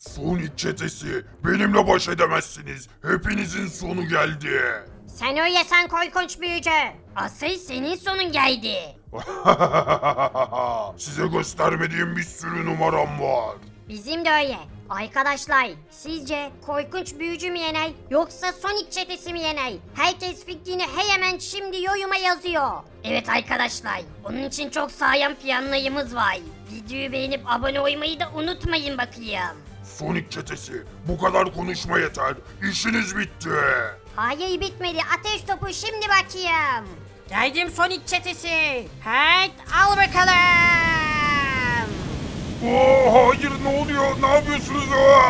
Sonic çetesi, benimle baş edemezsiniz. Hepinizin sonu geldi. Sen öyle sen korkunç büyücü. Asıl senin sonun geldi. Size göstermediğim bir sürü numaram var. Bizim de öyle. Arkadaşlar sizce korkunç büyücü mü yener yoksa Sonic çetesi mi yener? Herkes fikrini hemen şimdi yoruma yazıyor. Evet arkadaşlar onun için çok sağlam planlarımız var. Videoyu beğenip abone olmayı da unutmayın bakayım. Sonic çetesi, bu kadar konuşma yeter. İşiniz bitti. Hayır bitmedi ateş topu şimdi bakayım. Geldim Sonic çetesi. Hayt al bakalım. Hayır, ne oluyor? Ne yapıyorsunuz?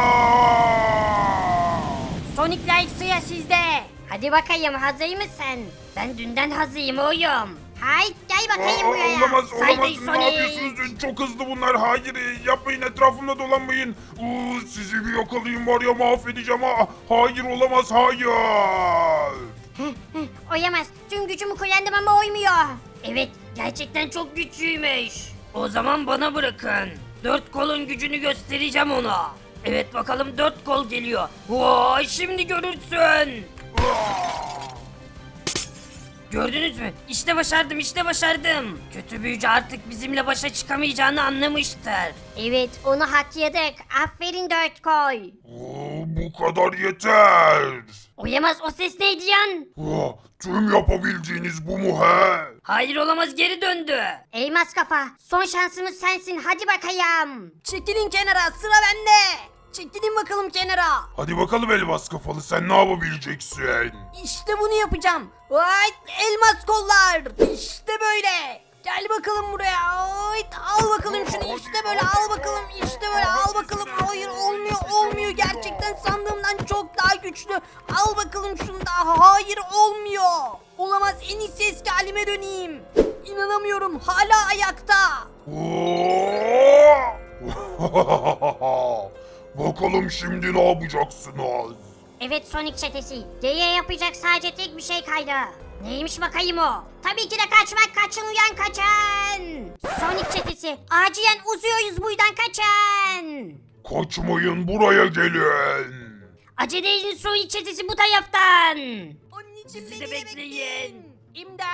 Sonic Light sıra sizde. Hadi bakayım hazır mısın? Ben dünden hazırım oğlum. Hayt gel bakayım buraya. Olamaz, Saydı olamaz. Ne Sonic. yapıyorsunuz? Çok hızlı bunlar. Hayır, yapmayın, etrafımda dolanmayın. Sizi bir yakalayayım var ya, mahvedeceğim. Hayır, olamaz, hayır. Oyamaz. Tüm gücümü kullandım ama oymuyor. Evet gerçekten çok güçlüymüş. O zaman bana bırakın. Dört kolun gücünü göstereceğim ona. Evet bakalım dört kol geliyor. Vay şimdi görürsün. Gördünüz mü? İşte başardım işte başardım. Kötü büyücü artık bizimle başa çıkamayacağını anlamıştır. Evet onu hak yedik. Aferin dört koy. Bu kadar yeter. Oyamaz o ses neydi yan? Tüm yapabildiğiniz bu mu he? Hayır olamaz geri döndü. Elmas kafa son şansımız sensin hadi bakayım. Çekilin kenara sıra bende. Çekilin bakalım kenara. Hadi bakalım elmas kafalı, sen ne yapabileceksin? İşte bunu yapacağım. Vay elmas kollar. İşte böyle. Gel bakalım buraya. Vay, al bakalım şunu işte böyle al bakalım işte böyle al bakalım. Hayır olmuyor gerçekten sandığımdan çok daha güçlü. Al bakalım şunu da hayır olmuyor. Olamaz en iyisi eski halime döneyim. İnanamıyorum hala ayakta. Bakalım şimdi ne yapacaksınız? Evet Sonic çetesi. Geriye yapacak sadece tek bir şey kaldı. Neymiş bakayım o? Tabii ki de kaçmak kaçın uyan kaçın. Sonic çetesi acilen uzuyoruz buradan kaçın. Kaçmayın, buraya gelin. Acele edin Sonic çetesi bu taraftan. Anneciğim Sizi beni de bekleyin. İmdat.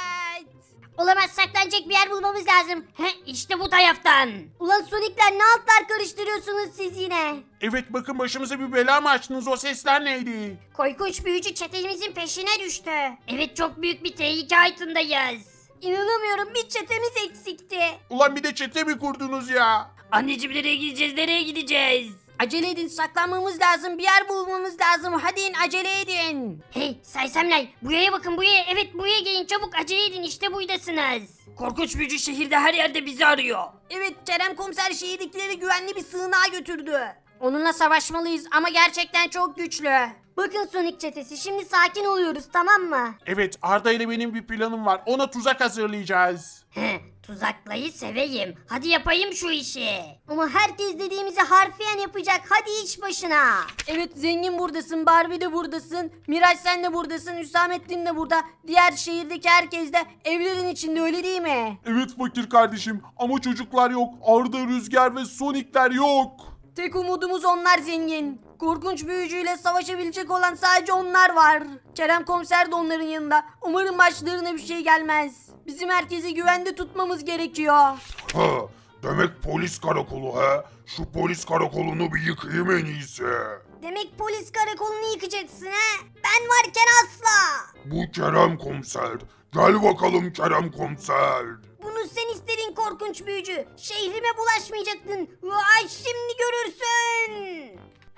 Olamaz saklanacak bir yer bulmamız lazım. İşte bu taraftan. Ulan Sonic'ler ne altlar karıştırıyorsunuz siz yine? Evet bakın başımıza bir bela mı açtınız, o sesler neydi? Korkunç büyücü çetemizin peşine düştü. Evet çok büyük bir tehlike altındayız. İnanamıyorum bir çetemiz eksikti. Ulan bir de çete mi kurdunuz ya? Anneciğim nereye gideceğiz nereye gideceğiz? Acele edin saklanmamız lazım bir yer bulmamız lazım hadi in acele edin. Hey sersemler buraya bakın buraya evet buraya gelin çabuk acele edin işte buradasınız. Korkunç büyücü şehirde her yerde bizi arıyor. Evet Kerem komiser şehirdekileri güvenli bir sığınağa götürdü. Onunla savaşmalıyız ama gerçekten çok güçlü. Bakın Sonic çetesi şimdi sakin oluyoruz tamam mı? Evet, Arda ile benim bir planım var, ona tuzak hazırlayacağız. Tuzaklayı seveyim. Hadi yapayım şu işi. Ama herkes dediğimizi harfiyen yapacak. Hadi iş başına. Evet zengin buradasın Barbie de buradasın Miraç sen de buradasın Hüsamettin de burada. Diğer şehirdeki herkes de evlerin içinde öyle değil mi? Evet fakir kardeşim, ama çocuklar yok, Arda, Rüzgar ve Sonic'ler yok. Tek umudumuz onlar zengin. Korkunç büyücüyle savaşabilecek olan sadece onlar var. Kerem komiser de onların yanında. Umarım başlarına bir şey gelmez. Bizim herkesi güvende tutmamız gerekiyor. Demek polis karakolu he? Şu polis karakolunu bir yıkayım en iyisi. Demek polis karakolunu yıkacaksın ha? Ben varken asla. Bu Kerem komiser. Gel bakalım Kerem komiser. Bunu sen istedin korkunç büyücü. Şehrime bulaşmayacaktın. Vay şimdi görürsün.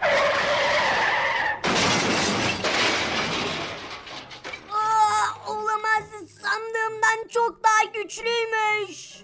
Olamaz. Sandığımdan çok daha güçlüymüş.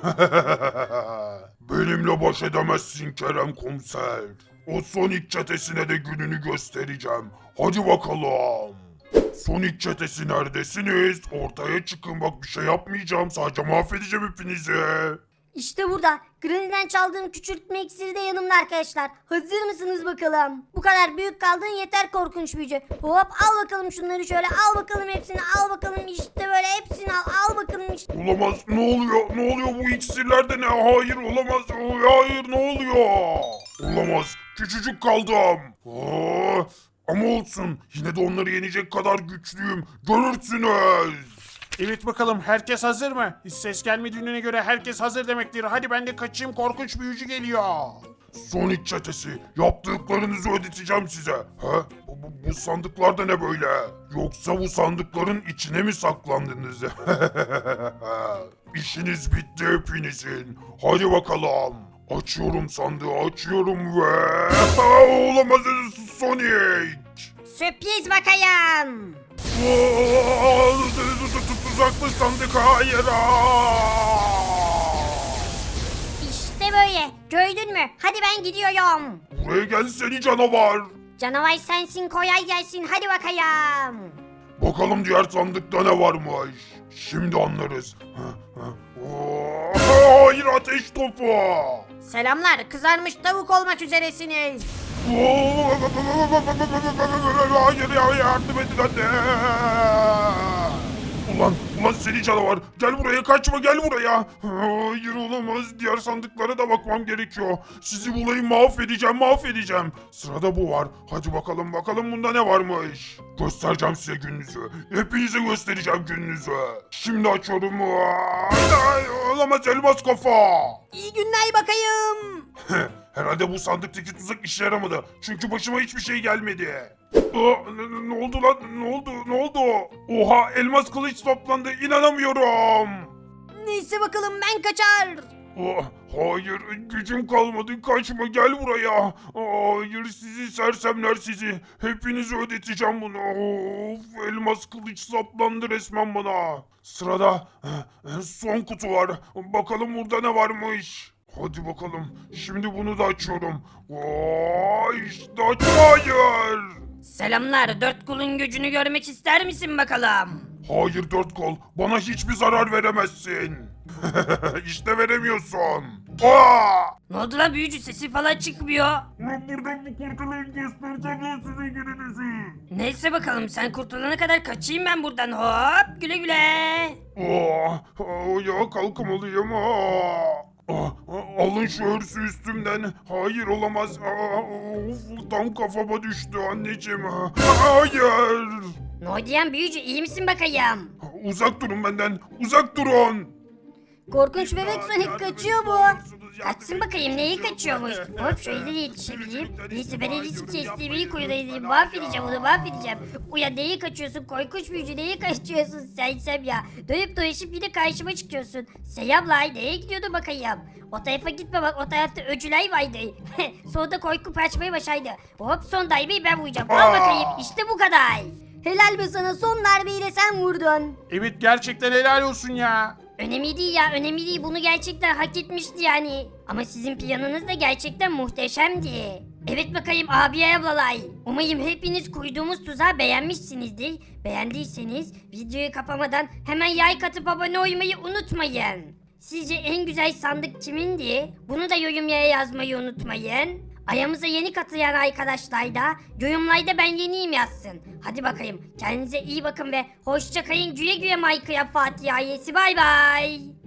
Benimle baş edemezsin Kerem komiser. O Sonic çetesine de gününü göstereceğim. Hadi bakalım. Sonic çetesi neredesiniz? Ortaya çıkın, bak bir şey yapmayacağım, sadece mahvedeceğim hepinizi. İşte burada. Granny'den çaldığım küçültme iksiri de yanımda arkadaşlar. Hazır mısınız bakalım? Bu kadar büyük kaldın yeter korkunç büyücü. Hop al bakalım şunları şöyle al bakalım hepsini al bakalım işte böyle hepsini al bakalım işte. Olamaz, ne oluyor? Ne oluyor, bu iksirler de ne? Hayır olamaz, hayır ne oluyor? Olamaz. Küçücük kaldım. Ama olsun. Yine de onları yenecek kadar güçlüyüm. Görürsünüz. Evet bakalım herkes hazır mı? Hiç ses gelmediğine göre herkes hazır demektir. Hadi ben de kaçayım, korkunç büyücü geliyor. Sonic çetesi, yaptıklarınızı ödeteceğim size. Bu sandıklar da ne böyle? Yoksa bu sandıkların içine mi saklandınız? İşiniz bitti hepinizin. Hadi bakalım. Açıyorum sandığı, açıyorum ve... Olamaz Sonic! Sürpriz bakayım. Tuzaklı sandık, hayır! İşte böyle. Gördün mü? Hadi ben gidiyorum. Buraya gel seni canavar! Canavar sensin, kolay gelsin. Hadi bakayım. Bakalım diğer sandıkta ne varmış. Şimdi anlarız. Hayır, ateş topu! Selamlar, kızarmış tavuk olmak üzeresiniz. Hayır ya, yardım edin anne! Ulan seni canavar! Gel buraya, kaçma, gel buraya! Hayır, olamaz, diğer sandıklara da bakmam gerekiyor. Sizi bulayım, mahvedeceğim. Sırada bu var. Hadi bakalım bunda ne varmış. Göstereceğim size gününüzü. Hepinize göstereceğim gününüzü. Şimdi açıyorum. Ay, olamaz, elmas kafa! İyi günler bakayım. Herhalde bu sandıktaki tuzak işe yaramadı. Çünkü başıma hiçbir şey gelmedi. Ne oldu lan? Ne oldu? Oha, elmas kılıç toplandı. İnanamıyorum. Neyse bakalım ben kaçar. Hayır, gücüm kalmadı. Kaçma, gel buraya. Hayır, sizi sersemler sizi. Hepinizi ödeteceğim bunu. Of, elmas kılıç saplandı resmen bana. Sırada son kutu var. Bakalım burada ne varmış. Hadi bakalım. Şimdi bunu da açıyorum. İşte hayır. Selamlar, dört kolun gücünü görmek ister misin bakalım? Hayır dört kol. Bana hiçbir zarar veremezsin. İşte veremiyorsun. Ne oldu lan büyücü, sesi falan çıkmıyor. Buradan bu kurtulayım, göstereceğim ya size gününüzü. Neyse bakalım, sen kurtulana kadar kaçayım ben buradan, hop güle güle. Ya kalkamalıyım. Alın şu örsü üstümden. Hayır, olamaz. Of, tam kafama düştü anneciğim. Hayır. Nodiyen büyücü, iyi misin bakayım? Uzak durun benden. Uzak durun. Korkunç bebek Sonic kaçıyor bu. Kaçsın bakayım, neyi kaçıyormuş? Hop şöyle de yetişebileyim. Neyse ben en iyisi kestiğimi koyulayım. Mahvedeceğim onu, mahvedeceğim. Uya neyi kaçıyorsun? Korkunç büyücü, neyi kaçıyorsun sen ya? Dönüp dolaşıp yine karşıma çıkıyorsun. Selamlay, nereye gidiyordu bakayım? O tarafa gitme bak, o tarafta öcüler vardı. Sonra korkup kaçmayı başardı. Hop son darbeyi ben vuracağım. Al bakayım, işte bu kadar. Helal be sana, son darbeyi de sen vurdun. Evet, gerçekten helal olsun ya. Önemli değil ya, önemli değil. Bunu gerçekten hak etmişti yani. Ama sizin planınız da gerçekten muhteşemdi. Evet bakayım abiye ablalay. Umarım hepiniz kurduğumuz tuzağı beğenmişsinizdir. Beğendiyseniz videoyu kapamadan hemen like atıp abone olmayı unutmayın. Sizce en güzel sandık kimindi? Bunu da yorumlara yazmayı unutmayın. Ayağımıza yeni katılan arkadaşlar da yorumlarda ben yeniyim yazsın. Hadi bakayım, kendinize iyi bakın ve hoşça kalın, güle güle Minecraft Fatih ailesi, bay bay.